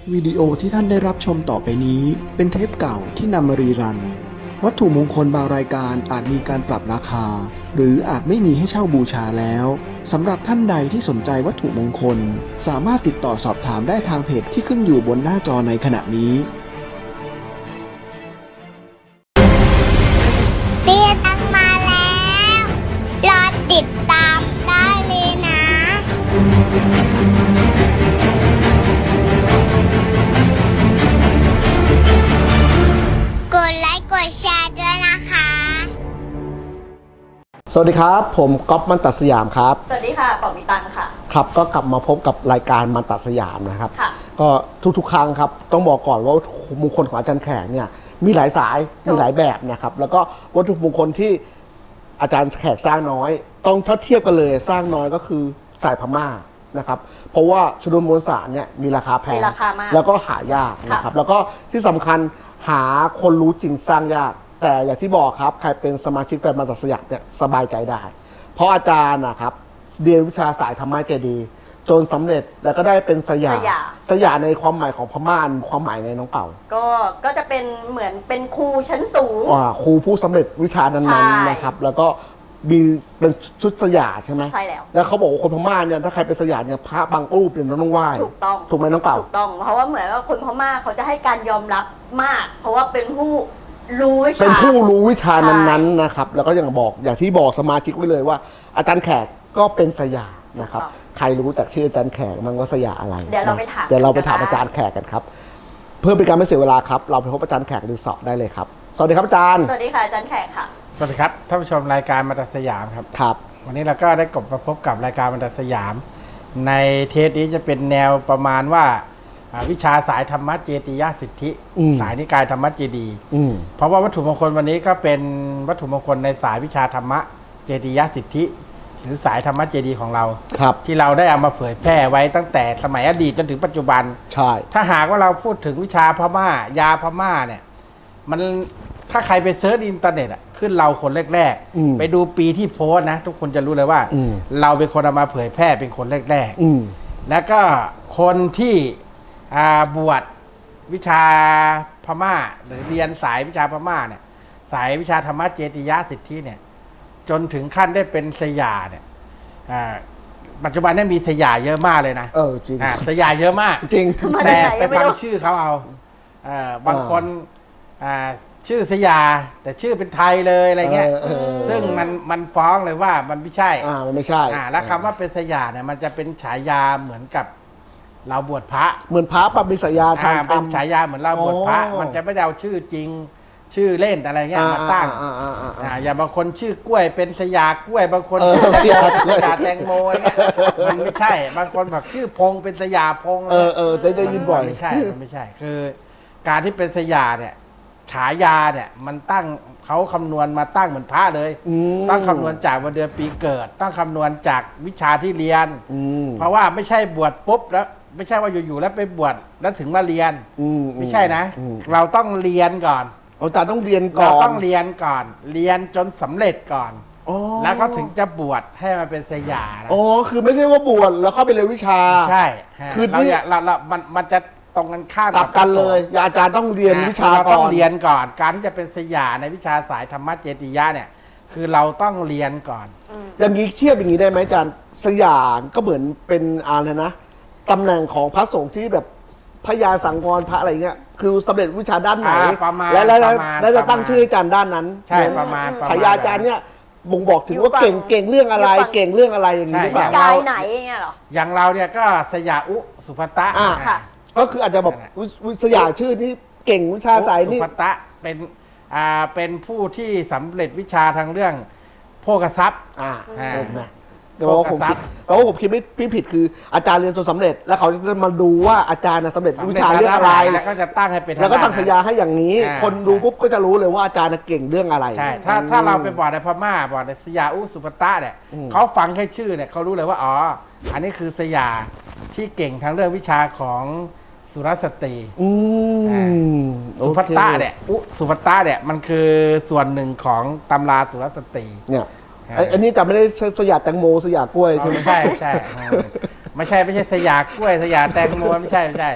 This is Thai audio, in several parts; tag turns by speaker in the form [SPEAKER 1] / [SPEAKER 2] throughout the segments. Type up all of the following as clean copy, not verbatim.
[SPEAKER 1] วิดีโอที่ท่านได้รับชมต่อไปนี้เป็นเทปเก่าที่นำมารีรันวัตถุมงคลบางรายการอาจมีการปรับราคาหรืออาจไม่มีให้เช่าบูชาแล้วสำหรับท่านใดที่สนใจวัตถุมงคลสามารถติดต่อสอบถามได้ทางเพจที่ขึ้นอยู่บนหน้าจอในขณะนี้
[SPEAKER 2] เตี้ยตังมาแล้วรอติดตามได้เลยนะกดไลค์กดแชร์ด้วยนะคะ
[SPEAKER 3] สวัสดีครับผมก๊อฟมันตัดสยามครับ
[SPEAKER 4] สวัสดีค่ะป๋อมีตังค่ะ
[SPEAKER 3] ครับก็กลับมาพบกับรายการมันตัดสยามนะครับ
[SPEAKER 4] ค่ะ
[SPEAKER 3] ก็ทุกๆครั้งครับต้องบอกก่อนว่าวัตถุมงคลของอาจารย์แขกเนี่ยมีหลายสายมีหลายแบบนะครับแล้วก็วัตถุมงคลที่อาจารย์แขกสร้างน้อยต้องถ้าเทียบกันเลยสร้างน้อยก็คือสายพม่านะครับเพราะว่าชนวนมวลสารเนี่ยมีราคาแพง
[SPEAKER 4] มีราคามาก
[SPEAKER 3] แล้วก็หายากนะครับแล้วก็ที่สำคัญหาคนรู้จริงสร้างยากแต่อย่างที่บอกครับใครเป็นสมาชิกแฟนมันตัดสยามเนี่ยสบายใจได้เพราะอาจารย์นะครับเรียนวิชาสายธรรมะเจดีย์จนสำเร็จแล้วก็ได้เป็นสยามในความหมายของพม่าความหมายในน้องเป่า
[SPEAKER 4] ก็จะเป็นเหมือนเป็นครูชั้นสูง
[SPEAKER 3] ครูผู้สำเร็จวิชานั้นๆนะครับแล้วก็มีเป็นชุดสยามใช่ไหม
[SPEAKER 4] ใช่
[SPEAKER 3] แล้วเขาบอกว่าคนพม่าเนี่ยถ้าใครเป็นสยามเนี่ยพระบางรูปเนี่ยต้องไหว้
[SPEAKER 4] ถูกต้อง
[SPEAKER 3] ถูกไหมน้องเป่า
[SPEAKER 4] ถูกต้องเพราะว่าเหมือนว่าคนพม่าเขาจะให้การยอมรับมาก เพราะว่าเป็นผู้รู้วิชา
[SPEAKER 3] เป็นผู้รู้วิชานั้นๆนะครับแล้วก็อย่างที่บอกสมาชิกไว้เลยว่าอาจารย์แขกก็เป็นสยามนะครับใครรู้แต่ชื่ออาจารย์แขกมันว่าสยามอะไร
[SPEAKER 4] เดี๋ยวเราไปถาม
[SPEAKER 3] อาจารย์แขกกันครับเพื่อเป็นการไม่เสียเวลาครับเราไปพบอาจารย์แขกรีสอร์ทได้เลยครับสวัสดีครับอาจารย์
[SPEAKER 4] สวัสดีค่ะอาจารย์แขกค่ะ
[SPEAKER 5] สวัสดีครับท่านผู้ชมรายการมันตัดสยามครับ
[SPEAKER 3] ครับ
[SPEAKER 5] วันนี้เราก็ได้กลับมาพบกับรายการมันตัดสยามในเทปนี้จะเป็นแนวประมาณว่าวิชาสายธรรมะเจติยสิทธิสายนิกายธรรมะเจดีเพราะว่าวัตถุมงคลวันนี้ก็เป็นวัตถุมงคลในสายวิชาธรรมะเจติยสิทธิหรือสายธรรมะเจดีของเรา
[SPEAKER 3] ครับ
[SPEAKER 5] ที่เราได้เอามาเผยแพร่ไว้ตั้งแต่สมัยอดีตจนถึงปัจจุบัน
[SPEAKER 3] ใช่
[SPEAKER 5] ถ้าหากว่าเราพูดถึงวิชาพม่ายาพม่าเนี่ยมันถ้าใครไปเซิร์ชอินเทอร์เน็ตขึ้นเราคนแรกๆไปดูปีที่โพสนะทุกคนจะรู้เลยว่าเราเป็นคนเอามาเผยแพร่เป็นคนแรกๆแล้วก็คนที่บวชวิชาพม่าหรือเรียนสายวิชาพม่าเนี่ยสายวิชาธรรมะเจติยสิทธิเนี่ยจนถึงขั้นได้เป็นสยามเนี่ยปัจจุบันนี้มีสยามเยอะมากเลยนะ
[SPEAKER 3] จริง
[SPEAKER 5] สยามเยอะมาก
[SPEAKER 3] จริง
[SPEAKER 5] แต่ไปฟังชื่อเขาเอาบางคนชื่อสยามแต่ชื่อเป็นไทยเลยอะไรเงี้ยซึ่งมันฟ้องเลยว่ามันไม่ใช่
[SPEAKER 3] มันไม่ใช่
[SPEAKER 5] แล้วคำว่าเป็นสยามเนี่ยมันจะเป็นฉายาเหมือนกับเราบวชพระ
[SPEAKER 3] เหมือนพระปฏิสยาทาง
[SPEAKER 5] เป็นฉายาเหมือนเราบวชพระมันจะไม่ได้เอาชื่อจริงชื่อเล่นอะไรเงี้ยมาตั้งอย่างบางคนชื่อกล้วยเป็นสยามกล้วยบางคนสยามแตงโมอะไรเงี้ยมันไม่ใช่บางคนแบบชื่อพงเป็นสยามพง
[SPEAKER 3] ได้ยินบ่อย
[SPEAKER 5] ไม่ใช่มันไม่ใช่คือการที่เป็นสยามเนี่ยฉายาเนี่ยมันตั้งเขาคำนวณมาตั้งเหมือนพระเลยต้องคำนวณจากวันเดือนปีเกิดต้องคำนวณจากวิชาที่เรียนเพราะว่าไม่ใช่บวชปุ๊บแล้วไม่ใช่ว่าอยู่ๆแล้วไปบวชแล้วถึงมาเรียนไม่ใช่นะเราต้องเรียนก่อน
[SPEAKER 3] อาจารย์ต้องเรียนก่อน
[SPEAKER 5] เราต้องเรียนก่อนเรียนจนสำเร็จก่อนแล้วเขาถึงจะบวชให้มาเป็นสยาม
[SPEAKER 3] คือไม่ใช่ว่าบวชแล้วเข้าไปเรียนวิชา
[SPEAKER 5] ใช่
[SPEAKER 3] คือ
[SPEAKER 5] เรามันจะตรงกันข้าม
[SPEAKER 3] กลับกันเลยอาจารย์ต้องเรียนวิชาก่อน
[SPEAKER 5] ต้องเรียนก่อนการที่จะเป็นสยามในวิชาสายธรรมะเจติยะเนี่ยคือเราต้องเรียนก่อน
[SPEAKER 3] อย่างนี้เทียบอย่างนี้ได้ไหมอาจารย์สยามก็เหมือนเป็นอะไรนะตำแหน่งของพระสงฆ์ที่แบบพระยาสังวรพระอะไรเงี้ยคือสำเร็จวิชาด้านไหนแล้วจะตั้งชื่ออาจารย์ด้านนั้น
[SPEAKER 5] ใช่ประมาณ
[SPEAKER 3] ฉายาอาจารย์เนี่ยบ่งบอกถึงว่าเก่งเรื่องอะไรเก่งเรื่องอะไรอย่างนี้หรือเปล่าก
[SPEAKER 4] ายไหนเงี้ยหรอ
[SPEAKER 5] อย่างเราเนี่ยก็สยามอุสุภัตตะ
[SPEAKER 3] ก็คืออาจจะแบบสยามชื่อที่เก่งวิชาสายนี่
[SPEAKER 5] สุภัตตะเป็นผู้ที่สำเร็จวิชาทางเรื่องโภคทรัพย์
[SPEAKER 3] แต่ว่าผมคิดไม่ผิดคืออาจารย์เรียนจนสำเร็จแล้วเขาจะมาดูว่าอาจารย์สำเร็จวิชาเรื่องอะไร
[SPEAKER 5] แล้วก็จะตั้งให้เป็น
[SPEAKER 3] แล้วก็ตั้งฉายาให้อย่างนี้คนดูปุ๊บก็จะรู้เลยว่าอาจารย์เก่งเรื่องอะไร
[SPEAKER 5] ใช่ถ้าเราไปบวชในพม่าบวชในสยามอุสุภัตตะเนี่ยเขาฟังแค่ชื่อเนี่ยเขารู้เลยว่าอ๋ออันนี้คือสยามที่เก่งทางเรื่องวิชาของสุรสตรีสุภัตตะเนี่ยสุภัตตะเนี่ยมันคือส่วนหนึ่งของตำราสุรสตรี
[SPEAKER 3] เนี่ยอันนี้จะไม่ได้สยามแตงโมสยามกล้วยใช่ไหม
[SPEAKER 5] ไม่ใช่ไม่ใช่สยามกล้วยสยามแตงโมไม่ใช่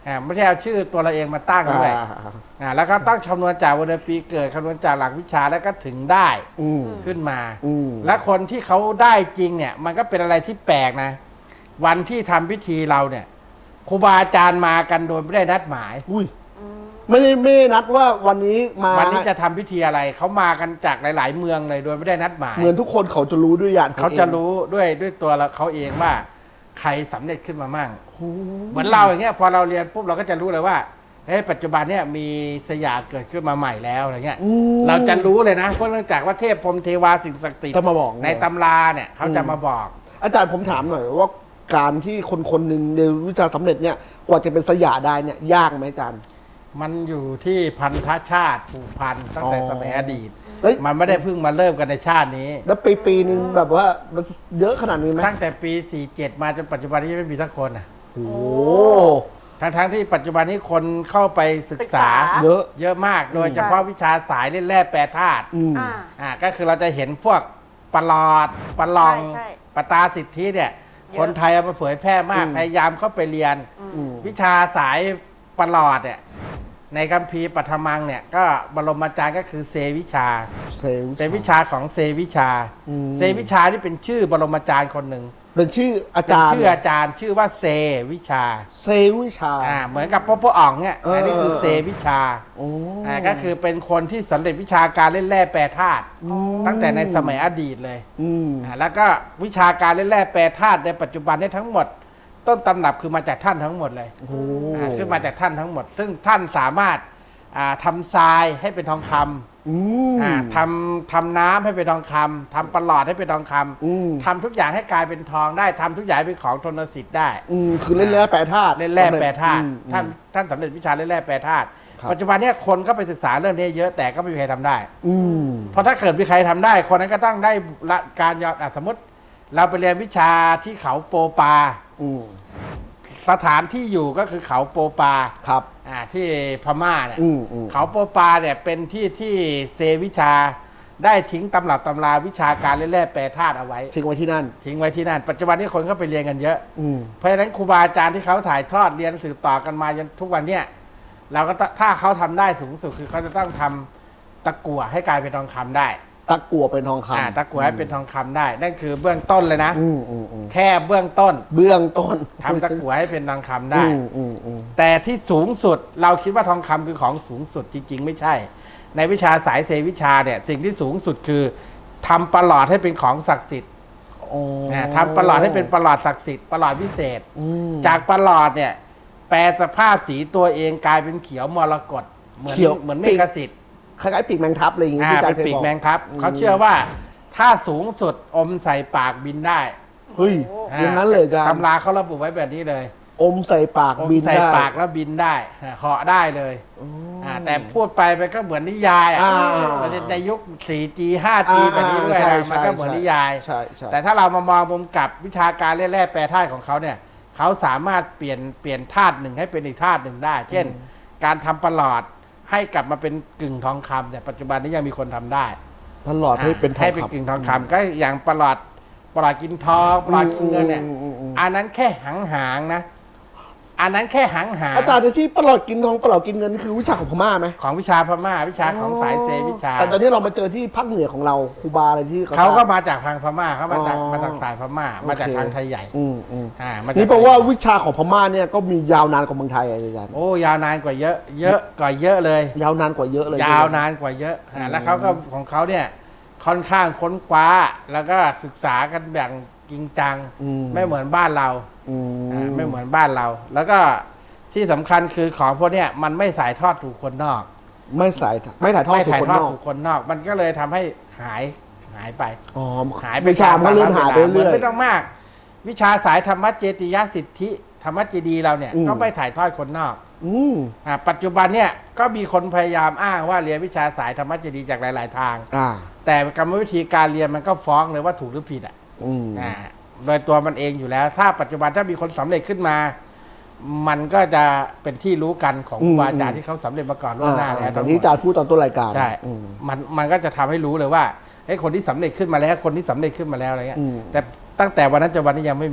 [SPEAKER 5] ไม่ใช่เอาชื่อตัวเราเองมาตั้งด้วยแล้วก็ต้องคำนวณจากวันเดือนปีเกิดคำนวณจากหลักวิชาแล้วก็ถึงได้ขึ้นมาและคนที่เขาได้จริงเนี่ยมันก็เป็นอะไรที่แปลกนะวันที่ทำพิธีเราเนี่ยครูบาอาจารย์มากันโดยไม่ได้นัดหมาย
[SPEAKER 3] ไม่ได้นัดว่าวันนี้มา
[SPEAKER 5] วันนี้จะทำพิธีอะไรเขามากันจากหลาย ๆ เมืองเลยโดยไม่ได้นัดหมาย
[SPEAKER 3] เหมือนทุกคนเขาจะรู้ด้วยญาติ
[SPEAKER 5] เขาจะรู้ด้วยตัวเขาเองว่าใครสำเร็จขึ้นมามั่งเหมือนเราอย่างเงี้ยพอเราเรียนปุ๊บเราก็จะรู้เลยว่าปัจจุบันเนี่ยมีสยามเกิดขึ้นมาใหม่แล้วอะไรเงี้ยเราจะรู้เลยนะเพราะเนื่องจากว่าเทพพรหมเทวาสิ่งศักดิ์สิทธิ์
[SPEAKER 3] จะมาบอก
[SPEAKER 5] ในตำราเนี่ยเขาจะมาบอก
[SPEAKER 3] อาจารย์ผมถามหน่อยว่าการที่คนหนึ่งในวิชาสำเร็จเนี่ยกว่าจะเป็นสยามได้เนี่ยยากไหมอาจารย์
[SPEAKER 5] มันอยู่ที่พันธชาติผูกพันตั้งแต่สมัยอดีตมันไม่ได้เพิ่งมาเริ่มกันในชาตินี้
[SPEAKER 3] แล้วปีนึงแบบว่ามันเยอะขนาดนี้ไหม
[SPEAKER 5] ตั้งแต่ปี47มาจนปัจจุบันนี้ไม่มีสักคน
[SPEAKER 3] โอ้
[SPEAKER 5] ทั้งที่ปัจจุบันนี้คนเข้าไปศึกษาเยอะมากโดยเฉพาะวิชาสายเล่นแร่แปรธาตุก็คือเราจะเห็นพวกปลอดปลองปตาสิทธิเนี่ยคนไทยเอามาเผยแพร่มากพยายามเข้าไปเรียนวิชาสายปลอดเนี่ยในคัมภีร์ปัทมังเนี่ยก็บรมอาจารย์ก็คือเซวิชาของเซวิชานี่เป็นชื่อบรมอาจารย์คนหนึ่ง
[SPEAKER 3] เป็นชื่ออาจารย์
[SPEAKER 5] ชื่อว่าเซวิชาเหมือนกับพ่ออ่องเนี่ยอันนี้คือเซวิชาก็คือเป็นคนที่สำเร็จวิชาการเล่นแร่แปรธาตุตั้งแต่ในสมัยอดีตเลยแล้วก็วิชาการเล่นแร่แปรธาตุในปัจจุบันนี้ทั้งหมดต้นตำรับคือมาจากท่านทั้งหมดเลยคือมาจากท่านทั้งหมดซึ่งท่านสามารถทำทรายให้เป็นทองคำทำน้ำให้เป็นทองคำทำประหลอดให้เป็นทองคำทำทุกอย่างให้กลายเป็นทองได้ทำทุกอย่างเป็นของทนสิทธิ์ได้
[SPEAKER 3] คือเล่นแร่แปรธาตุ
[SPEAKER 5] ท่านสำเร็จวิชาเล่นแร่แปรธาตุปัจจุบันนี้คนก็ไปศึกษาเรื่องนี้เยอะแต่ก็ไม่มีใครทำได้เพราะถ้าเกิดมีใครทำได้คนนั้นก็ต้องได้การยอมสมมติเราไปเรียนวิชาที่เขาโปปาสถานที่อยู่ก็คือเขาโปปา
[SPEAKER 3] ครับ
[SPEAKER 5] ที่พม่าเนี่ยเขาโปปาเนี่ยเป็นที่เซวิชาได้ทิ้งตำรับตำราวิชาการเล่นแร่แปรธาตุเอาไว้
[SPEAKER 3] ทิ้งไว้ที่นั่น
[SPEAKER 5] ปัจจุบันนี้คนก็ไปเรียนกันเยอะเพราะฉะนั้นครูบาอาจารย์ที่เขาถ่ายทอดเรียนสืบต่อกันมาจนทุกวันเนี่ยเราก็ถ้าเขาทำได้สูงสุดคือเขาจะต้องทำตะกั่วให้กลายเป็นทองคำได้
[SPEAKER 3] ตะกั่วเป็นทองคำ
[SPEAKER 5] ตะกั่วให้เป็นทองคำได้นั่นคือเบื้องต้นเลยนะแค่เบื้องต้นทำตะกั่วให้เป็นทองคำได้แต่ที่สูงสุดเราคิดว่าทองคำคือของสูงสุดจริงๆไม่ใช่ในวิชาสายเซวิชาเนี่ยสิ่งที่สูงสุดคือทำประหลอดให้เป็นของศักดิ์สิทธิ์ทำประหลอดให้เป็นประหลอดศักดิ์สิทธิ์ประหลอดพิเศษจากประหลอดเนี่ยแปลสภาพสีตัวเองกลายเป็นเขียวมรกตเหมือนเมฆสิทธิ์
[SPEAKER 3] คล้ายๆปีกแมงทับอะไรอย่างงี้
[SPEAKER 5] เป็นปีกแมงทับเขาเชื่อว่าถ้าสูงสุดอมใส่ปากบินได้
[SPEAKER 3] เฮ้ยอย่างนั้นเลยจ้ะ
[SPEAKER 5] ตำราเขาระบุไว้แบบนี้เลย
[SPEAKER 3] อมใส่ปากบินได้
[SPEAKER 5] ใส่ปากแล้วบินได้เหาะได้เลยแต่พูดไปมันก็เหมือนนิยายในยุค 4G 5G แบบนี้ด้วยมันก็เหมือนนิยายแต่ถ้าเรามามองมุมกลับวิชาการเล่นแร่แปรธาตุของเขาเนี่ยเขาสามารถเปลี่ยนธาตุหนึ่งให้เป็นอีกธาตุหนึ่งได้เช่นการทำประหลอดให้กลับมาเป็นกึ่งทองคำเนี่ยปัจจุบันนี้ยังมีคนทำได้
[SPEAKER 3] ประหลอดให้เป็น
[SPEAKER 5] กึ่งทองคำก็อย่างประหลอดกินทองประหลอดกินเงินเนี่ยอันนั้นแค่หางนะอันนั้นแค่หาง
[SPEAKER 3] อาจารย์ที่ประหลอดกินทองประหลอดกินเงินคือวิชาของพม่าไหม
[SPEAKER 5] ของวิชาพม่าวิชาของสายเซวิชา
[SPEAKER 3] แต่ตอนนี้เรามาเจอที่ภาคเหนือของเราครูบาอะไรที่
[SPEAKER 5] เขาก็มาจากทางพม่าเขามาจากสายพม่ามาจากทางไทยใหญ่
[SPEAKER 3] นี่แปลว่าวิชาของพม่าเนี่ยก็มียาวนานกว่าเมืองไทยอาจารย์
[SPEAKER 5] โอ้ยาวนานกว่าเยอะกว่าเยอะเลย
[SPEAKER 3] ยาวนานกว่าเยอะเลย
[SPEAKER 5] ยาวนานกว่าเยอะแล้วเขาก็ของเขาเนี่ยค่อนข้างค้นคว้าแล้วก็ศึกษากันแบบจริงจังไม่เหมือนบ้านเราไม่เหมือนบ้านเราแล้วก็ที่สำคัญคือของพวกนี้มันไม่ถ่ายทอดถูกคนนอก
[SPEAKER 3] ไม่ถ่ายทอดถูก
[SPEAKER 5] คนนอกมันก็เลยทำให้หายไป
[SPEAKER 3] หายไปวิชามันเลื่อนหายไปเรื่อย
[SPEAKER 5] ไม่ต้องมากวิชาสายธรรมเจติยสิทธิธรรมเจดีเราเนี่ยก็ไม่ถ่ายทอดคนนอกปัจจุบันเนี่ยก็มีคนพยายามอ้างว่าเรียนวิชาสายธรรมเจดีจากหลายๆทางแต่กรรมวิธีการเรียนมันก็ฟ้องเลยว่าถูกหรือผิดโดยตัวมันเองอยู่แล้วถ้าปัจจุบันถ้ามีคนสำเร็จขึ้นมามันก็จะเป็นที่รู้กันของครูบาอาจารย์ที่เขาสำเร็จมาก่อนล่วงหน้าแล้ว
[SPEAKER 3] ตอนที่อาจารย์พูดตอนต้นรายการ
[SPEAKER 5] ใช่มันก็จะทำให้รู้เลยว่าไอ้คนที่สำเร็จขึ้นมาแล้วคนที่สำเร็จขึ้นมาแล้วอะไรเงี้ยแต่ตั้งแต่วันนั้นจนวันนี้ยังไม่มี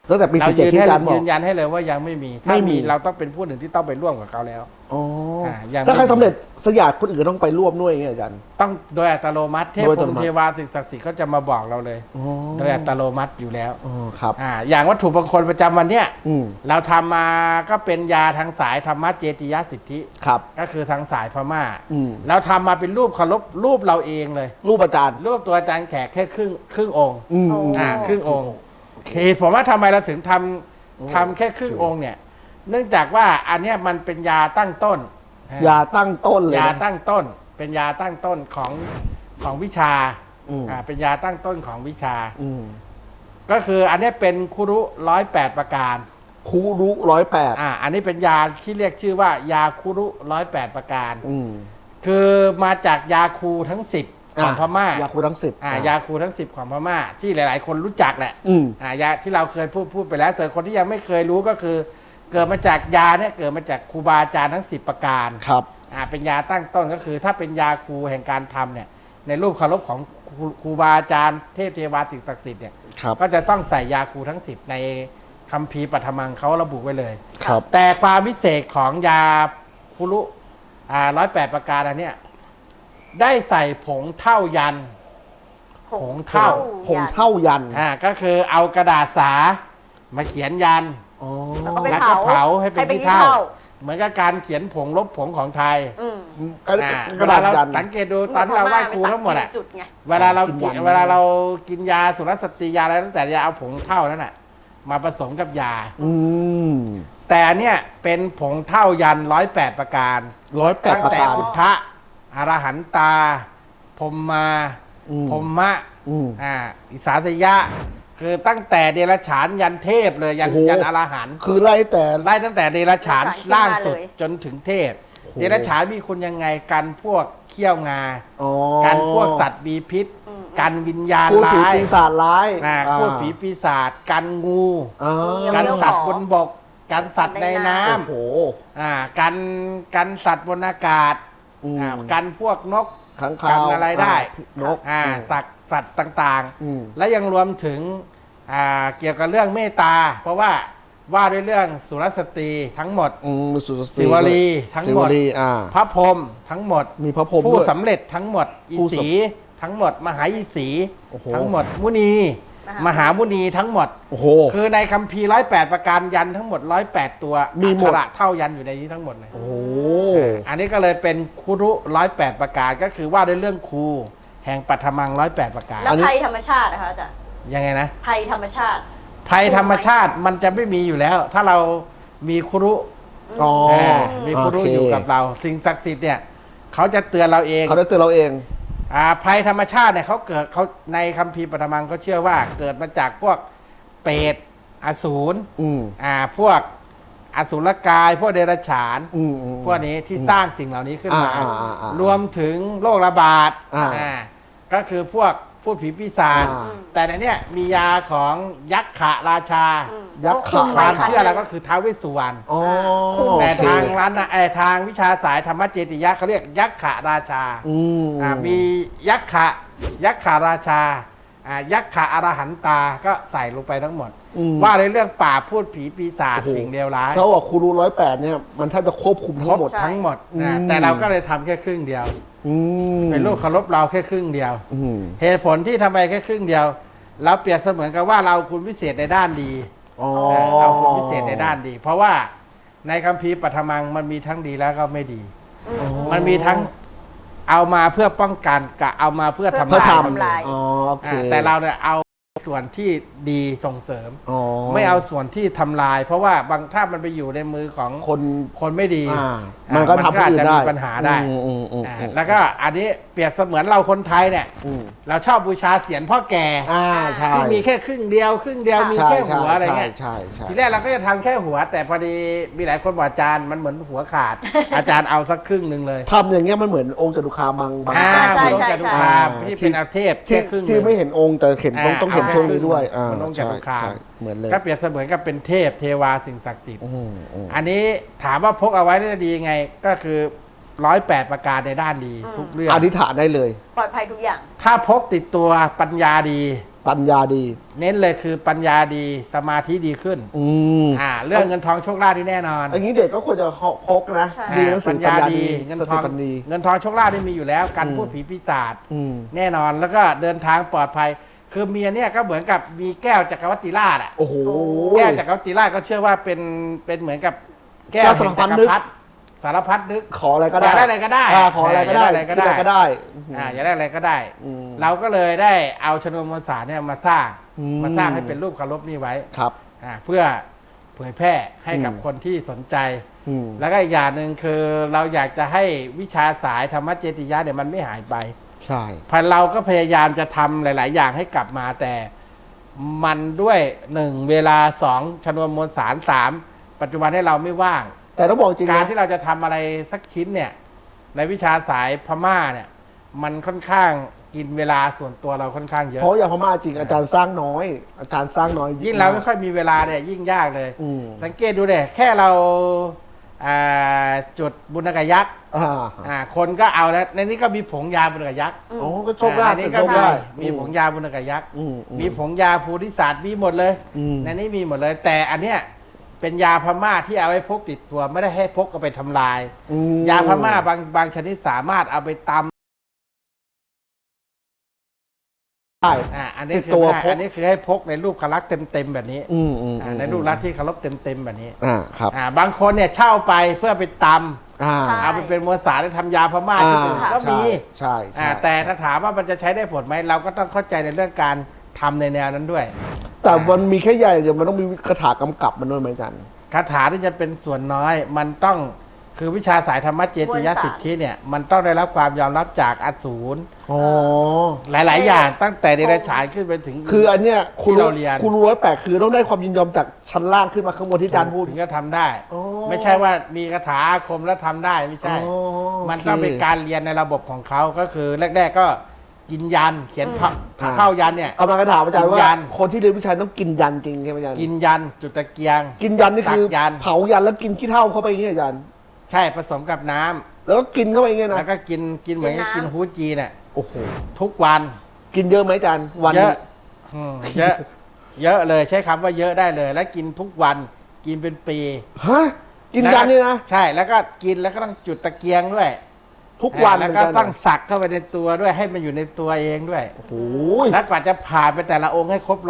[SPEAKER 3] ตั้งแต่ปี
[SPEAKER 5] เรา
[SPEAKER 3] 47ที่อาจารย์บอ
[SPEAKER 5] ยื
[SPEAKER 3] ก
[SPEAKER 5] นยันให้เลยว่ายังไม่มี
[SPEAKER 3] ไม่
[SPEAKER 5] ถ้า
[SPEAKER 3] มี
[SPEAKER 5] มีเราต้องเป็นผู้หนึ่งที่ต้องไปร่วมกับเขาแล้ว
[SPEAKER 3] อ๋อ
[SPEAKER 5] ยังไม่
[SPEAKER 3] ถ้าใครสำเร็จสกอยากคนอื่นต้องไปร่วมด้วยอย่างเงี้ยอาจารย์
[SPEAKER 5] ต้องโดยอัตโนมัติเทพ
[SPEAKER 3] โดยอั
[SPEAKER 5] พ
[SPEAKER 3] ต
[SPEAKER 5] ร
[SPEAKER 3] โน
[SPEAKER 5] หม
[SPEAKER 3] มัติ
[SPEAKER 5] เทวาสิ่งศักดิ์สิทธิ์เขาจะมาบอกเราเลย
[SPEAKER 3] อ๋อ
[SPEAKER 5] โดยอัตโนมัติอยู่แล้ว
[SPEAKER 3] อ๋อครับ
[SPEAKER 5] อย่างวัตถุมงคลประจำวันเนี้ย
[SPEAKER 3] อืม
[SPEAKER 5] เราทำมาก็เป็นยาทางสายธรรมะเจติยสิทธิ
[SPEAKER 3] ครับ
[SPEAKER 5] ก็คือทางสายพม่า
[SPEAKER 3] อืม
[SPEAKER 5] เราทำมาเป็นรูปเคารพรูปเราเองเลย
[SPEAKER 3] รูปอาจารย์
[SPEAKER 5] รูปตัวอาจารย์แขกแค่ครึ่งองค์
[SPEAKER 3] อืม
[SPEAKER 4] โอ้
[SPEAKER 5] ครึ่งองค์เหตุผมว่าทำไมเราถึงทำแค่ครึ่งองค์เนี่ย เนื่องจากว่าอันเนี้ยมันเป็นยาตั้งต้น
[SPEAKER 3] ยาตั้งต้นเลย
[SPEAKER 5] ยา
[SPEAKER 3] นะ
[SPEAKER 5] ตั้งต้น เป็นยาตั้งต้นของวิชา
[SPEAKER 3] อืม
[SPEAKER 5] เป็นยาตั้งต้นของวิชา
[SPEAKER 3] อืม
[SPEAKER 5] ก็คืออันเนี้ยเป็นคุรุ108ประการ
[SPEAKER 3] คูรุ108
[SPEAKER 5] อันนี้เป็นยาที่เรียกชื่อว่ายาคุรุ108ประการ
[SPEAKER 3] อืม
[SPEAKER 5] คือมาจากยาคูทั้ง10ของพม่าย
[SPEAKER 3] าคูทั้ง10
[SPEAKER 5] ยาคูทั้ง10ของพม่าที่หลาย ๆ คนรู้จักแหละ
[SPEAKER 3] อืม
[SPEAKER 5] ยาที่เราเคยพูดไปแล้วส่วนคนที่ยังไม่เคยรู้ก็คือ เกิดมาจากยาเนี่ยเกิดมาจากครูบาอาจารย์ทั้ง10ประการ
[SPEAKER 3] ครับ
[SPEAKER 5] เป็นยาตั้งต้นก็คือ ถ้าเป็นยาคูแห่งการทำเนี่ยในรูปเคารพของครูบาอาจารย์เทพเทวาสิ่งศักดิ์สิทธิ์เนี่ย
[SPEAKER 3] ครับ
[SPEAKER 5] ก็จะต้องใส่ยาคูทั้ง10ในคัมภีร์ปฐมังเขาระบุไว้เลย
[SPEAKER 3] ครับ
[SPEAKER 5] แต่ความพิเศษของยาคุรุ108ประการอันเนี้ยได้ใส่ผงเท่ายัน ผงเท่า
[SPEAKER 3] ผงเท่ายัน
[SPEAKER 5] ก็คือเอากระดาษสามาเขียนยัน
[SPEAKER 3] อ๋อ
[SPEAKER 4] แล้วก็ไป
[SPEAKER 5] แล้วก็เผาให้เป็น
[SPEAKER 4] ให้เป็น
[SPEAKER 5] ที่เท่า
[SPEAKER 4] ขี้เถ้า
[SPEAKER 5] เหมือนกับการเขียนผงลบผงของไทย
[SPEAKER 4] อืม
[SPEAKER 3] กระดาษ
[SPEAKER 5] เวลเร
[SPEAKER 3] ยัน
[SPEAKER 5] สังเกตดูตอนที่เราไหว้ครูทั้งหมดอะ
[SPEAKER 4] จุดไง
[SPEAKER 5] เวลาเรา
[SPEAKER 3] กิน
[SPEAKER 5] กิ
[SPEAKER 3] ยั
[SPEAKER 5] น
[SPEAKER 3] น
[SPEAKER 5] เวลาเรากินยาสุรสตรียาอะไรตั้งแต่ยาเอาผงเท่านั้นอะมาผสมกับยา
[SPEAKER 3] อืม
[SPEAKER 5] แต่เนี่ยเป็นผงเท่ายัน108ประการ
[SPEAKER 3] 108
[SPEAKER 5] ตั้ง
[SPEAKER 3] ประ
[SPEAKER 5] แต่
[SPEAKER 3] การ
[SPEAKER 5] พุทธะอรหันตาพรหมมา
[SPEAKER 3] อืม
[SPEAKER 5] พรหมะ
[SPEAKER 3] อืม
[SPEAKER 5] อิสาสยะ คือตั้งแต่เดรัจฉานยันเทพเลยยัน
[SPEAKER 3] โอ้โห
[SPEAKER 5] ยันอรหันต์
[SPEAKER 3] คือไล่แต่
[SPEAKER 5] ไล่ตั้งแต่เดรัจฉาน
[SPEAKER 4] เดรัจฉาน
[SPEAKER 5] ล่างสุด
[SPEAKER 4] ขึ้นมาเลย
[SPEAKER 5] จนถึงเทพ
[SPEAKER 3] โอ้โห
[SPEAKER 5] เดรัจฉานมีคุณยังไงกันพวกเขี้ยวงา
[SPEAKER 3] อ๋อ
[SPEAKER 5] กันพวกสัตว์มีพิษ กันวิญญาณ
[SPEAKER 3] พูดผี
[SPEAKER 5] ร้าย
[SPEAKER 3] ปีศาจร้าย
[SPEAKER 5] พูดผีปีศาจกันงู
[SPEAKER 3] อ่า
[SPEAKER 5] กันสัตว์บนบก กันสัตว์ในน้
[SPEAKER 3] โอ้โห
[SPEAKER 5] ำกันสัตว์บนอากาศ
[SPEAKER 3] อืม
[SPEAKER 5] กันพวกนก
[SPEAKER 3] ขัง
[SPEAKER 5] กั
[SPEAKER 3] คาน ว
[SPEAKER 5] อะไรได้
[SPEAKER 3] นก
[SPEAKER 5] สัตว์ต่าง
[SPEAKER 3] อืม
[SPEAKER 5] ๆ และยังรวมถึงเกี่ยวกับเรื่องเมตตา เพราะว่าด้วยเรื่องสุรสตรีทั้งหมด
[SPEAKER 3] สุส
[SPEAKER 5] ศิวลีทั้งหมด
[SPEAKER 3] ศิวลี
[SPEAKER 5] พระพรหมทั้งหมด
[SPEAKER 3] มีพระพรหม
[SPEAKER 5] ผู้
[SPEAKER 3] ด้วย
[SPEAKER 5] สำเร็จทั้งหมดอี
[SPEAKER 3] ผู้สำ
[SPEAKER 5] สีทั้งหมด มหาอีสี
[SPEAKER 3] โอ้โห
[SPEAKER 5] ทั้งหมดมุนี มหามุนีทั้งหมด
[SPEAKER 3] โอ้โห
[SPEAKER 5] คือในคัมภีร์108ประการยันทั้งหมด108ตัว
[SPEAKER 3] มีหมด
[SPEAKER 5] อักขระเท่ายันอยู่ในนี้ทั้งหมดเลย
[SPEAKER 3] โอ้โห
[SPEAKER 5] อันนี้ก็เลยเป็นคุรุ108ประการก็คือว่าด้วยเรื่องครูแห่งปัทมัง108ประการ
[SPEAKER 4] แล้วภัยธรรมชาตินะคะอาจารย์
[SPEAKER 5] ยังไงนะ
[SPEAKER 4] ภัยธรรมชาติ
[SPEAKER 5] ภัยธรรมชาติมันจะไม่มีอยู่แล้ว ถ้าเรามีคุรุ
[SPEAKER 3] อ๋อ
[SPEAKER 5] มีคุรุ
[SPEAKER 3] โอเค
[SPEAKER 5] อยู่กับเรา สิ่งศักดิ์สิทธิ์เนี่ยเขาจะเตือนเราเอง
[SPEAKER 3] เขาได้เตือนเราเอง
[SPEAKER 5] ภัยธรรมชาติเนี่ยเขาในคัมภีร์ปฐมังเขาเชื่อว่าเกิดมาจากพวกเปรตอสูร
[SPEAKER 3] อืม
[SPEAKER 5] พวกอสุรกาย พวกเดรัจฉาน
[SPEAKER 3] อืม
[SPEAKER 5] พวกนี้ที่สร้างสิ่งเหล่านี้ขึ้นมา
[SPEAKER 3] อ่าร
[SPEAKER 5] วมถึงโรคระบาด ก็คือพวกพูดผีปีศาจ
[SPEAKER 3] อ่า
[SPEAKER 5] แต่ในเนี้ยมียาของยักษ์ขะราชา
[SPEAKER 3] ยักษ์
[SPEAKER 4] คุ
[SPEAKER 3] ขา
[SPEAKER 4] ม
[SPEAKER 5] ค
[SPEAKER 4] ไว้
[SPEAKER 5] วาม
[SPEAKER 4] ชั้น
[SPEAKER 5] เชื่อ
[SPEAKER 4] ห
[SPEAKER 5] เรา
[SPEAKER 4] นึ่ง
[SPEAKER 5] ก็คือท้าวเวสสุวรรณ
[SPEAKER 3] อ๋อ
[SPEAKER 5] แต่
[SPEAKER 3] โอเค
[SPEAKER 5] ทางร้านทางวิชาสายธรรมเจติยะเขาเรียกยักษ์ขะราชา
[SPEAKER 3] อืม
[SPEAKER 5] มียักษ์ขาราชายักษ์ขาอรหันตาก็ใส่ลงไปทั้งหมด ว่าในเรื่องป่าพูดผีปีศาจ
[SPEAKER 3] โอ้โห
[SPEAKER 5] สิ่งเลวร้าย
[SPEAKER 3] เขาบอกครูรู108เนี่ยมันแทบจะควบคุม
[SPEAKER 5] คร
[SPEAKER 3] ทั้
[SPEAKER 5] บ
[SPEAKER 3] งหมด
[SPEAKER 5] ทั้งหมด
[SPEAKER 3] อืม
[SPEAKER 5] แต่เราก็เลยทำแค่ครึ่งเดียว
[SPEAKER 3] อืม
[SPEAKER 5] เป็นลูกเคารพเราแค่ครึ่งเดียว
[SPEAKER 3] อืม
[SPEAKER 5] เหตุผลที่ทำไปแค่ครึ่งเดียว เราเปรียบเสมือนกับว่าเราคุณพิเศษในด้านดี
[SPEAKER 3] อ๋อ
[SPEAKER 5] เราคุณพิเศษในด้านดี เพราะว่าในคัมภีร์ปฐมังมันมีทั้งดีแล้วก็ไม่ดี มันมีทั้งเอามาเพื่อป้องกันกับเอามาเพื่อทำ
[SPEAKER 3] เพื่อ
[SPEAKER 5] ลาย
[SPEAKER 3] ท
[SPEAKER 4] ทำลาย
[SPEAKER 3] ำอ๋อโอเค
[SPEAKER 5] แต่เราเนี่ยเอาส่วนที่ดีส่งเสริม
[SPEAKER 3] อ๋อ
[SPEAKER 5] ไม่เอาส่วนที่ทำลาย เพราะว่าบางถ้ามันไปอยู่ในมือของ
[SPEAKER 3] คน
[SPEAKER 5] คนไม่ดี
[SPEAKER 3] มันก็ทำให้
[SPEAKER 5] อาจ
[SPEAKER 3] อื่น
[SPEAKER 5] จะ
[SPEAKER 3] ได้
[SPEAKER 5] มีปัญหาได้ แล้วก็อันนี้เปรียบเสมือนเราคนไทยเนี่ย
[SPEAKER 3] อืม
[SPEAKER 5] เราชอบบูชาเสียรพ่อแก่
[SPEAKER 3] ใช่
[SPEAKER 5] ที่มีแค่ครึ่งเดียวมีแค่หัวอะไรเงี้ย
[SPEAKER 3] ใช่ใช่
[SPEAKER 5] ทีแรกเราก็จะทำแค่หัว แต่พอดีมีหลายคนบอกอาจารย์มันเหมือนหัวขาด อาจารย์เอาสักครึ่งหนึ่งเลย
[SPEAKER 3] ทำอย่างเงี้ยมันเหมือนองค์จตุคามบาง
[SPEAKER 5] เหมือนองค์
[SPEAKER 4] ใช่
[SPEAKER 5] จตุคามที่เป็นอาเทพ
[SPEAKER 3] ที่
[SPEAKER 5] แค่ครึ่งห
[SPEAKER 3] ที่
[SPEAKER 5] นึ่ง
[SPEAKER 3] ไม่เห็นองค์แต่เห็นต้องเห็นช่วงนี้ด้วย
[SPEAKER 5] มันองค์จตุคาม
[SPEAKER 3] ใช่เหมือนเลย
[SPEAKER 5] ก็เปรียบเสมือนกับเป็นเทพเทวาสิ่งศักดิ์สิทธิ์
[SPEAKER 3] อืม
[SPEAKER 5] อันนี้ถามว่าพกเอาไว้ได้ดียังไง ก็คือ108ประการในด้านดีทุกเรื่อง
[SPEAKER 3] อธิษฐานได้เลย
[SPEAKER 4] ปลอดภัยทุกอย่าง
[SPEAKER 5] ถ้าพกติดตัวปัญญาดี
[SPEAKER 3] ปัญญาดี
[SPEAKER 5] เน้นเลยคือปัญญาดีสมาธิดีขึ้น
[SPEAKER 3] ม
[SPEAKER 5] เรื่องเงินทองโชคลาภที่แน่นอน
[SPEAKER 3] อย่างนี้เด็กก็ควรจะพกนะ
[SPEAKER 4] ใช่
[SPEAKER 3] ดีหนังสือปัญญาดี
[SPEAKER 5] เงิน
[SPEAKER 3] ส
[SPEAKER 5] ท
[SPEAKER 3] ติ
[SPEAKER 5] อง
[SPEAKER 3] ปัญญา
[SPEAKER 5] เงินทองโชคลาภที่มีอยู่แล้วการ
[SPEAKER 3] อืม
[SPEAKER 5] พูดผีปีศาจ
[SPEAKER 3] อืม
[SPEAKER 5] แน่นอนแล้วก็เดินทางปลอดภัย คือเมียเนี่ยก็เหมือนกับมีแก้วจักรวรรดิราชอ่ะ
[SPEAKER 3] โอ้โห
[SPEAKER 5] แก้วจักรวรรดิราชก็เชื่อว่าเป็นเหมือนกับแก้ว
[SPEAKER 3] แก้วสารพัดนึก
[SPEAKER 5] สารพัดนึก
[SPEAKER 3] ขออะไรก็ได้
[SPEAKER 5] อยากได้อะไรก็ได้
[SPEAKER 3] ขออะไรก็ได้
[SPEAKER 5] อยากได้อะไรก็ได้
[SPEAKER 3] คิดอะไรก็ได้
[SPEAKER 5] อยากได้อะไรก็ได้
[SPEAKER 3] อืม
[SPEAKER 5] เราก็เลยได้เอาชนวนมวลสารเนี่ยมาสร้าง
[SPEAKER 3] อืม
[SPEAKER 5] มาสร้างให้เป็นรูปเคารพนี่ไว้
[SPEAKER 3] ครับ
[SPEAKER 5] เพื่อเผยแพร่ให้กับ
[SPEAKER 3] อืม
[SPEAKER 5] คนที่สนใจ
[SPEAKER 3] อืม
[SPEAKER 5] แล้วก็อีกอย่างหนึ่งคือเราอยากจะให้วิชาสายธรรมเจติยะเนี่ยมันไม่หายไป
[SPEAKER 3] ใช่
[SPEAKER 5] พันเราก็พยายามจะทำหลาย ๆ อย่างให้กลับมาแต่มันด้วย1เวลา2ชนวนมวลสาร3ปัจจุบันให้เราไม่ว่าง
[SPEAKER 3] แต่ต้องบอกจริง
[SPEAKER 5] การ
[SPEAKER 3] นะ
[SPEAKER 5] ที่เราจะทำอะไรสักชิ้นเนี่ยในวิชาสายพม่าเนี่ยมันค่อนข้างกินเวลาส่วนตัวเราค่อนข้างเยอะ
[SPEAKER 3] เพราะอย่างพม่าจริงอาจารย์สร้างน้อย อาจารย์สร้างน้อย
[SPEAKER 5] ยิ่งเราไม่ค่อยมีเวลาเนี่ยยิ่งยากเลย
[SPEAKER 3] อืม
[SPEAKER 5] สังเกตดูเนี่ยแค่เราจุดบุญกยักษ์ คนก็เอาแล้วในนี้ก็มีผงยาบุญกยักษ์
[SPEAKER 3] อ๋อก็โชคได้
[SPEAKER 5] ในนี้ก็
[SPEAKER 3] โชคได้
[SPEAKER 5] มีผงยาบุญกยักษ์
[SPEAKER 3] อืม
[SPEAKER 5] มีผงยาภูริศาสตร์มีหมดเลย
[SPEAKER 3] อืม
[SPEAKER 5] ในนี้มีหมดเลย แต่อันเนี้ยเป็นยาพม่าที่เอาไว้พกติดตัวไม่ได้ให้พกเอาไปทำลาย
[SPEAKER 3] อืม
[SPEAKER 5] ยาพม่าบางชนิดสามารถเอาไปตำ
[SPEAKER 3] ได้
[SPEAKER 5] อันนี้
[SPEAKER 3] ติด
[SPEAKER 5] คือ
[SPEAKER 3] ตัว
[SPEAKER 5] ให้
[SPEAKER 3] พก
[SPEAKER 5] อันนี้คือให้พกในรูปคลักษณ์เต็มๆแบบนี้ ในรูปลักษณ์ที่เคารพเต็มๆแบบนี้
[SPEAKER 3] ครับ
[SPEAKER 5] บางคนเนี่ยเช่าไปเพื่อไปตำ
[SPEAKER 3] อ่า
[SPEAKER 4] ใช่
[SPEAKER 5] เอาไปเป็นมวลสารที่ทำยาพม่าที่อื่นก็มี
[SPEAKER 3] ใช่ใช่
[SPEAKER 5] แต่ถ้าถามว่ามันจะใช้ได้ผลไหมเราก็ต้องเข้าใจในเรื่องการทำในแนวนั้นด้วย
[SPEAKER 3] แต่มันมีแค่ใหญ่เดี๋ยวมันต้องมีคาถากำกับมันด้วยไหมอาจารย์
[SPEAKER 5] คาถาที่จะเป็นส่วนน้อย มันต้องคือวิชาสายธรรมเจติยสิทธิเนี่ยมันต้องได้รับความยอมรับจากอสูร
[SPEAKER 3] อ๋อ
[SPEAKER 5] หลาย ๆ อย่างตั้งแต่เดรัจฉานขึ้นไปถึง
[SPEAKER 3] คืออันเนี้ยคุณ
[SPEAKER 5] ที่เราเรียน
[SPEAKER 3] คุณรู้ไว้แปลกคือต้องได้ความยินยอมจากชั้นล่างขึ้นมาข้างบนที่อาจารย์พูด
[SPEAKER 5] ถึงจะทำได้
[SPEAKER 3] อ๋อ
[SPEAKER 5] ไม่ใช่ว่ามีคาถาอาคมแล้วทำได้ไม่ใช่
[SPEAKER 3] อ๋อ
[SPEAKER 5] มันต้องเป็นการเรียนในระบบของเขาก็คือแรก ๆ ก็กินยันเขียนเข้ายันเนี่ย
[SPEAKER 3] เอามากระถามอาจารย์
[SPEAKER 5] กิน
[SPEAKER 3] ว่า
[SPEAKER 5] ยัน
[SPEAKER 3] คนที่เรียนวิชาต้องกินยันจริงใช่ไหมอาจารย์
[SPEAKER 5] กินยันจุดตะเกียง
[SPEAKER 3] กินยันนี่คือ
[SPEAKER 5] ตักยัน
[SPEAKER 3] เผายันแล้วกินขี้เถ้าเข้าไปอย่างเงี้ยอาจารย์
[SPEAKER 5] ใช่ผสมกับน้ำ
[SPEAKER 3] แล้วก็กินเข้าไปอย่างเงี้ย
[SPEAKER 5] แล้
[SPEAKER 3] นะ
[SPEAKER 5] วก็กินเหมือนกับ
[SPEAKER 4] กินน้ำ
[SPEAKER 5] กินฮูจีเนี่ย
[SPEAKER 3] โอ้โห
[SPEAKER 5] ทุกวัน
[SPEAKER 3] กินเยอะไหมอาจารย์วัน
[SPEAKER 5] เยอะเยอะ เยอะเลยใช้คำว่าเยอะได้เลย และกินทุกวันกินเป็นปี
[SPEAKER 3] ฮะกินยันนี่นะ
[SPEAKER 5] ใช่แล้วก็กินแล้วก็ต้องจุดตะเกียงด้วย
[SPEAKER 3] ทุกวัน
[SPEAKER 5] แล้ว
[SPEAKER 3] เหมื
[SPEAKER 5] ก็
[SPEAKER 3] อนกัน
[SPEAKER 5] ต้องสักเข้าไปในตัวด้วยให้มันอยู่ในตัวเองด้วย
[SPEAKER 3] โอ้โห
[SPEAKER 5] แล้วกว่าจะผ่านไปแต่ละองค์ให้ครบ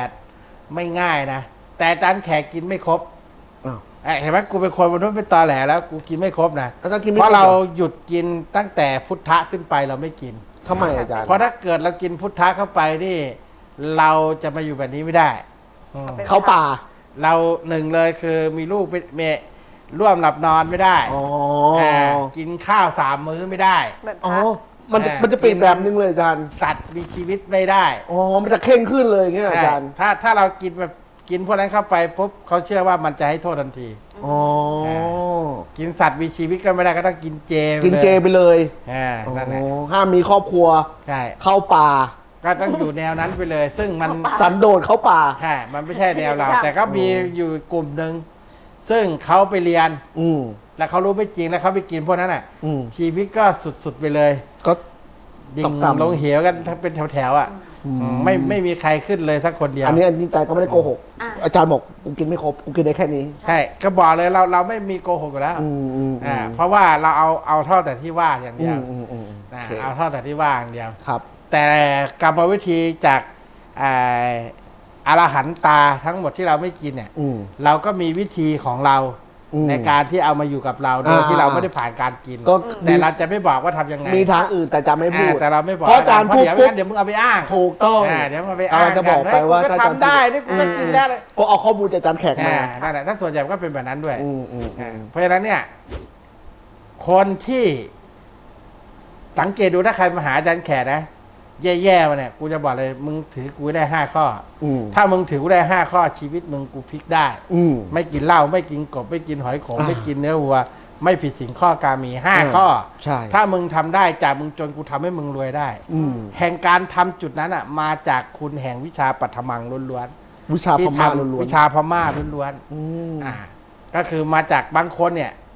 [SPEAKER 5] 108ไม่ง่ายนะแต่อาจารย์แขกกินไม่ครบ
[SPEAKER 3] อ้าว
[SPEAKER 5] เห็นไหมกูเป็นคนมนุษย์เป็นตอแหลแล้วกูกินไม่ครบนะ
[SPEAKER 3] อาจารย์กินไม่
[SPEAKER 5] เพราะ
[SPEAKER 3] คบ
[SPEAKER 5] เรา
[SPEAKER 3] หอ
[SPEAKER 5] หยุดกินตั้งแต่พุทธะขึ้นไปเราไม่กิน
[SPEAKER 3] ทำไมอาจารย์
[SPEAKER 5] เพราะถ้าเกิดเรากินพุทธะเข้าไปนี่ เราจะมาอยู่แบบนี้ไม่ได้อืม
[SPEAKER 3] เข้าป่า
[SPEAKER 5] เราหนึ่งเลยคือมีลูกเมร่วมหลับนอนไม่ได้
[SPEAKER 3] อ๋อ
[SPEAKER 5] กินข้าว3 มื้อไม่ได้
[SPEAKER 4] แบบ
[SPEAKER 3] อ๋อ
[SPEAKER 4] พระ
[SPEAKER 3] มันจะเปลี่ยนแบบนึงเลยอาจารย์
[SPEAKER 5] สัตว์มีชีวิตไม่ได้
[SPEAKER 3] อ๋อ มันจะเข่งขึ้นเลยอย่างเงี้ยอาจารย์
[SPEAKER 5] ถ้าเรากินแบบกินพวกนั้นเข้าไปปุ๊บเขาเชื่อว่ามันจะให้โทษทันที
[SPEAKER 3] อ๋อ
[SPEAKER 5] กินสัตว์มีชีวิตก็ไม่ได้ก็ต้องกินเจ
[SPEAKER 3] กินเจไปเลย
[SPEAKER 5] นั่นแหละ
[SPEAKER 3] อ๋อห้ามมีครอบครัว
[SPEAKER 5] ใช่
[SPEAKER 3] เข้าป่า
[SPEAKER 5] ก็ต้องอยู่แนวนั้นไปเลย ซึ่งมัน
[SPEAKER 3] สันโดษเข้าป่า
[SPEAKER 5] ใช่มันไม่ใช่แนวเรา แต่ก็มีอยู่กลุ่มหนึ่งซึ่งเขาไปเรียน
[SPEAKER 3] อืม
[SPEAKER 5] แล้วเขารู้ไม่จริงแล้วเขาไปกินพวกนั้นอ่ะ
[SPEAKER 3] อืม
[SPEAKER 5] ชีวิตก็สุดๆไปเลย
[SPEAKER 3] ก็
[SPEAKER 5] ดิ่ง
[SPEAKER 3] ต่ำๆ
[SPEAKER 5] ลงเหวกันทั้งเป็นแถวๆอ่ะไม่มีใครขึ้นเลยสักคนเดียว
[SPEAKER 3] อันนี้อาจารย์ก็ไม่ได้โกหก อาจารย์บอกกูกินไม่ครบ กูกินได้แค่นี้
[SPEAKER 5] ใช่ก็บอกเลยเราไม่มีโกหกอยู่แล้ว เพราะว่าเราเอาเท่าแต่ที่ว่าอย่างเดียว
[SPEAKER 3] โอ
[SPEAKER 5] เอาเท่าแต่ที่ว่าอย่างเดียว
[SPEAKER 3] ครับ
[SPEAKER 5] แต่กรรมวิธีจากอรหันตาทั้งหมดที่เราไม่กินเนี่ย
[SPEAKER 3] อืม
[SPEAKER 5] เราก็มีวิธีของเรา
[SPEAKER 3] อืม
[SPEAKER 5] ในการที่เอามาอยู่กับเราโดยที่เราไม่ได้ผ่านการกิน
[SPEAKER 3] ก็
[SPEAKER 5] แต่เราจะไม่บอกว่าทำยังไง
[SPEAKER 3] มีทางอื่นแต่จะไม่พูด
[SPEAKER 5] แต่เราไม่บอก
[SPEAKER 3] เพราะอาจารย์พูด
[SPEAKER 5] เดี๋ยว
[SPEAKER 3] ปุ๊บ
[SPEAKER 5] เดี๋ยวมึงเอาไปอ้าง
[SPEAKER 3] ถูกต้อง
[SPEAKER 5] เดี๋ยวมึงเอาไปอ้าง
[SPEAKER 3] เราจะบอกไปว่า
[SPEAKER 5] เฮ้ยกูก็
[SPEAKER 3] ถ้าอาจารย์
[SPEAKER 5] ทำได้นี่กูก็กินได้เลย
[SPEAKER 3] เพราะเอาข้อมูลจากอาจารย์แขกมา
[SPEAKER 5] นั่นแหละถ้าส่วนใหญ่ก็เป็นแบบนั้นด้วย
[SPEAKER 3] อืมอืมอืม
[SPEAKER 5] เพราะฉะนั้นเนี่ย คนที่สังเกตดูถ้าใครมาหาอาจารย์แขกนะแย่ๆมาเนี่ยกูจะบอกเลยมึงถือกูได้5 ข้อ
[SPEAKER 3] อืม
[SPEAKER 5] ถ้ามึงถือกูได้5 ข้อชีวิตมึงกูพลิกได้
[SPEAKER 3] อืม
[SPEAKER 5] ไม่กินเหล้าไม่กินกบไม่กินหอยขม
[SPEAKER 3] อ่า
[SPEAKER 5] ไม่กินเนื้อวัว ไม่ผิดศีลข้อกามี5 ข้อ
[SPEAKER 3] ใช่
[SPEAKER 5] ถ้ามึงทำได้จากมึงจนกูทำให้มึงรวยได้
[SPEAKER 3] อืม
[SPEAKER 5] แห่งการทำจุดนั้นอ่ะ มาจากคุณแห่งวิชาปัทมังล้วน
[SPEAKER 3] วิชา
[SPEAKER 5] ๆที่
[SPEAKER 3] พม่า
[SPEAKER 5] ทำ
[SPEAKER 3] ล้วน
[SPEAKER 5] วิชาพม่าล้วน
[SPEAKER 3] ๆอืม
[SPEAKER 5] ๆก็คือมาจากบางคนเนี่ย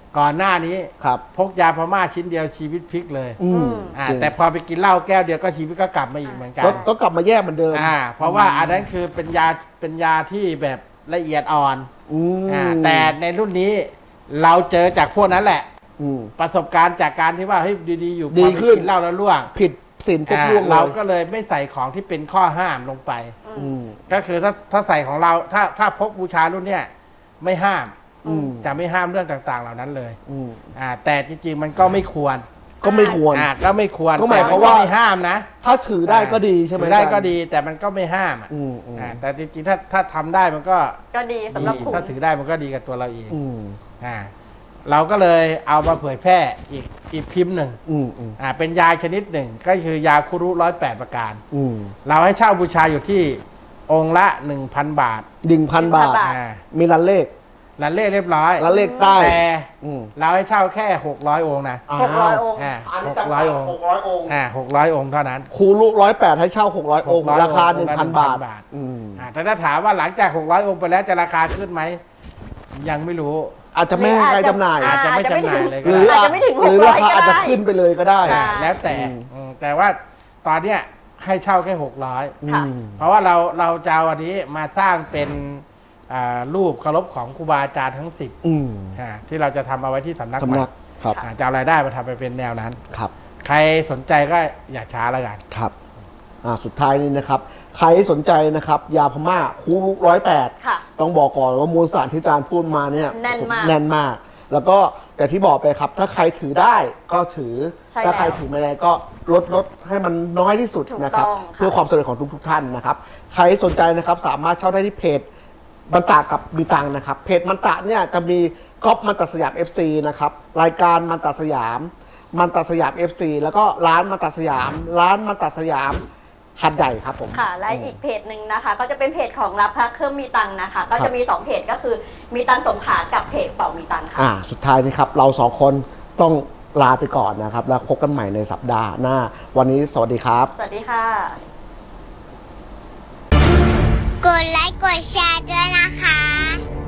[SPEAKER 5] ก่อนหน้านี้
[SPEAKER 3] ครับ
[SPEAKER 5] พกยาพม่าชิ้นเดียวชีวิตพลิกเลย
[SPEAKER 3] อืม จริง
[SPEAKER 5] แต่พอไปกินเหล้าแก้วเดียวก็ชีวิตก็กลับมาอีกเหมือนกัน
[SPEAKER 3] ก็กลับมาแย่เหมือนเดิม
[SPEAKER 5] เพราะว่าอันนั้นคือเป็นยาที่แบบละเอียดอ่อน
[SPEAKER 3] อืม
[SPEAKER 5] แต่ในรุ่นนี้เราเจอจากพวกนั้นแหละ
[SPEAKER 3] อืม
[SPEAKER 5] ประสบการณ์จากการที่ว่าเฮ้ยดีๆอยู่
[SPEAKER 3] ดี
[SPEAKER 5] พอไป
[SPEAKER 3] ขึ้น
[SPEAKER 5] กินเหล้าแล้วล่วง
[SPEAKER 3] ผิดศีลปุ๊บล่วงเล
[SPEAKER 5] เรา
[SPEAKER 3] ย
[SPEAKER 5] ก็เลยไม่ใส่ของที่เป็นข้อห้ามลงไป
[SPEAKER 3] อืม
[SPEAKER 5] ก็คือถ้าใส่ของเราถ้าพกบูชารุ่นเนี้ยไม่ห้าม
[SPEAKER 3] อืม
[SPEAKER 5] จะไม่ห้ามเรื่องต่างๆ เหล่านั้นเลย
[SPEAKER 3] อืม
[SPEAKER 5] แต่จริงๆมันก็ไม่ควร
[SPEAKER 3] ก็ไม่ควร
[SPEAKER 5] ก็ไม่ควร
[SPEAKER 3] ก็หมายความว่า
[SPEAKER 5] แต่นก็ไม่ห้ามนะ
[SPEAKER 3] ถ้าถือได้ก็ดีใช่ไหม
[SPEAKER 5] ถือได้
[SPEAKER 3] อาจารย์
[SPEAKER 5] ก็ดีแต่มันก็ไม่ห้ามอะ
[SPEAKER 3] อืมอืม
[SPEAKER 5] แต่จริงๆถ้าทำได้มันก็
[SPEAKER 4] ก็ดีสำหรับ
[SPEAKER 5] ดี
[SPEAKER 4] คุณ
[SPEAKER 5] ถ้าถือได้มันก็ดีกับตัวเราเอง
[SPEAKER 3] อืม
[SPEAKER 5] เราก็เลยเอามาเผยแพร่อีกพิมพ์หนึ่ง
[SPEAKER 3] อืมอืม
[SPEAKER 5] เป็นยาชนิดหนึ่งก็คือยาคุรุ108 ประการ
[SPEAKER 3] อืม
[SPEAKER 5] เราให้เช่าบูชาอยู่ที่องค์ละ 1,000 บาท
[SPEAKER 3] 1,000 บาท
[SPEAKER 4] บาท
[SPEAKER 3] มีรันเลข
[SPEAKER 5] ลันเล่เรียบร้อย
[SPEAKER 3] รันเลขใต้
[SPEAKER 5] แต่
[SPEAKER 3] อืม
[SPEAKER 5] เราให้เช่าแค่600 องค์นะ
[SPEAKER 4] 600 องค์
[SPEAKER 5] 600 องค์
[SPEAKER 3] 600 องค์
[SPEAKER 5] 600 องค์เท่านั้น
[SPEAKER 3] ครูลูก108 ให้เช่า 600 องค์
[SPEAKER 5] 600
[SPEAKER 3] ราคา
[SPEAKER 5] องค์ละ
[SPEAKER 3] 1,000 บาท
[SPEAKER 5] 1,000 บาท
[SPEAKER 3] อืม
[SPEAKER 5] แต่ถ้าถามว่าหลังจาก600 องค์ไปแล้วจะราคาขึ้นไหมยังไม่รู้
[SPEAKER 3] อาจจะไม่ให้ใครจำหน่าย
[SPEAKER 5] อาจจะไม่จำหน่ายเลยก็
[SPEAKER 3] หรือ
[SPEAKER 5] ได้
[SPEAKER 4] อาจจะไม่ถึง
[SPEAKER 3] หรือ
[SPEAKER 4] 600
[SPEAKER 3] ราคาอาจจะ
[SPEAKER 4] ก็ได้
[SPEAKER 3] ขึ้นไปเลยก็ได้
[SPEAKER 4] ใช่
[SPEAKER 5] แล้วแต่ แต่ว่าตอนเนี้ยให้เช่าแค่ 600
[SPEAKER 3] อื
[SPEAKER 4] ค่ะ
[SPEAKER 3] ม
[SPEAKER 5] เพราะว่าเราจะเอาอันนี้มาสร้างเป็นรูปเคารพของครูบาอาจารย์ทั้ง 10
[SPEAKER 3] อืม
[SPEAKER 5] ที่เราจะทำเอาไว้ที่สำนัก
[SPEAKER 3] สำนัก ครับ
[SPEAKER 5] จะเอารายได้มาทำไปเป็นแนวนั้น
[SPEAKER 3] ครับ
[SPEAKER 5] ใครสนใจก็อย่าช้าแล้วกัน
[SPEAKER 3] ครับสุดท้ายนี้นะครับ ใครสนใจนะครับ ยาพม่าคูลูก108
[SPEAKER 4] ค่ะ
[SPEAKER 3] ต้องบอกก่อนว่ามวลสารที่อาจารย์พูดมาเนี่ย
[SPEAKER 4] แน่นมาก
[SPEAKER 3] แน่นมาก แล้วก็อย่างที่บอกไปครับ ถ้าใครถือได้ก็ถือ
[SPEAKER 4] ใช่
[SPEAKER 3] ถ้าใคร
[SPEAKER 4] แล้ว
[SPEAKER 3] ถือไม่ได้ก็ลดให้มันน้อยที่สุด
[SPEAKER 4] ถูก
[SPEAKER 3] นะครับ
[SPEAKER 4] ต้องค่ะ
[SPEAKER 3] เพื่อความสะดวกของทุกท่านนะครับ ใครสนใจนะครับสามารถเช่าได้ที่เพจมันตะกับมีตังค์นะครับ เพจมันตะเนี่ยจะมีก๊อปมันตะสยาม FC นะครับรายการมันตะสยามมันตะสยาม FC แล้วก็ร้านมันตะสยาม ร้านมันตะสยามหัดใหญ่ครับผม
[SPEAKER 4] ค่ะ และอีกเพจหนึ่งนะคะ ก็จะเป็นเพจของรับพระเครื่องมีตังค์นะคะ ก็จะมี 2 เพจก็คือมีตังค์สงขลากับเพจเป่ามีตังค์ค่ะ
[SPEAKER 3] สุดท้ายนี้ครับเราสองคนต้องลาไปก่อนนะครับ แล้วพบกันใหม่ในสัปดาห์หน้า วันนี้สวัสดีครับ
[SPEAKER 4] สวัสดีค่ะ
[SPEAKER 2] กดไลค์กดแชร์ด้วยนะคะ